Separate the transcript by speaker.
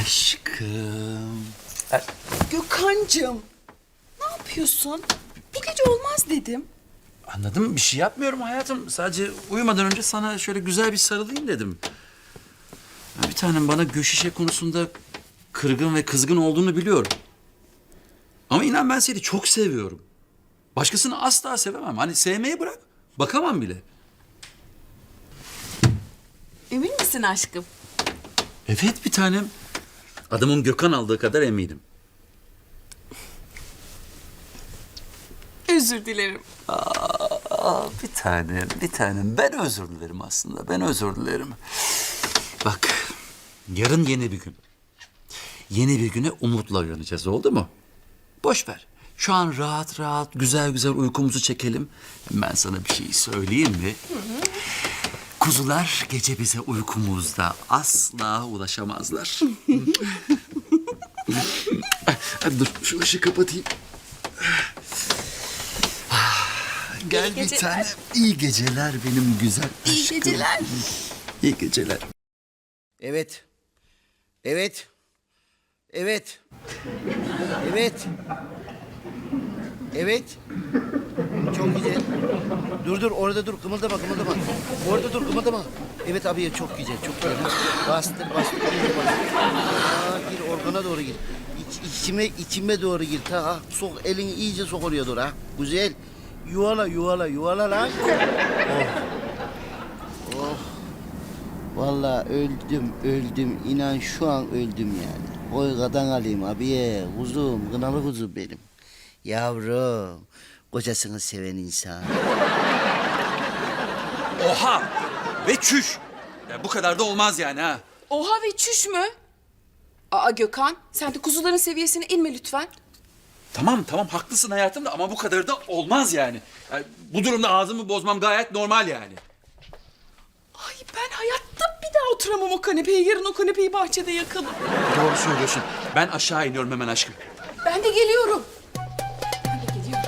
Speaker 1: Aşkım.
Speaker 2: Gökhan'cığım, ne yapıyorsun? Bu gece olmaz dedim.
Speaker 1: Anladım, bir şey yapmıyorum hayatım. Sadece uyumadan önce sana şöyle güzel bir sarılayım dedim. Ya bir tanem, bana Göşişe konusunda kırgın ve kızgın olduğunu biliyorum. Ama inan ben seni çok seviyorum. Başkasını asla sevemem. Hani sevmeyi bırak, bakamam bile.
Speaker 2: Emin misin aşkım?
Speaker 1: Evet bir tanem. Adamın Gökhan aldığı kadar eminim.
Speaker 2: Özür dilerim.
Speaker 1: Bir tanem. Ben özür dilerim aslında. Ben özür dilerim. Bak, yarın yeni bir gün. Yeni bir güne umutla uyanacağız, oldu mu? Boş ver. Şu an rahat rahat, güzel güzel uykumuzu çekelim. Ben sana bir şey söyleyeyim mi? Kuzular gece bize uykumuzda asla ulaşamazlar. Hadi dur, şu ışığı kapatayım. Gel
Speaker 2: İyi
Speaker 1: bir
Speaker 2: geceler.
Speaker 1: tane. İyi geceler benim güzel aşkım.
Speaker 2: İyi geceler.
Speaker 1: İyi geceler.
Speaker 3: Evet. Evet. Evet. Evet. Evet. Çok güzel. Dur orada dur, kımıldama. Orada dur, kımıldama. Evet abi, çok güzel, çok güzel. Bastır. İyice bastır. Gir organa doğru gir. İçime doğru gir. Sok elini, iyice sok oraya doğru ha. Güzel. Yuvala lan. Oh. Vallahi öldüm. İnan şu an öldüm yani. Koygadan alayım abiye. Kuzum, kınalı kuzum benim. Yavrum, kocasını seven insan.
Speaker 1: Oha! Ve çüş! Ya bu kadar da olmaz yani ha.
Speaker 2: Oha ve çüş mü? Aa Gökhan, sen de kuzuların seviyesine inme lütfen.
Speaker 1: Tamam haklısın hayatım da ama bu kadar da olmaz yani. Bu durumda ağzımı bozmam gayet normal yani.
Speaker 2: Ay ben hayatta bir daha oturamam o kanepeye. Yarın o kanepeyi bahçede yakalım.
Speaker 1: Doğru söylüyorsun. Ben aşağı iniyorum hemen aşkım.
Speaker 2: Ben de geliyorum.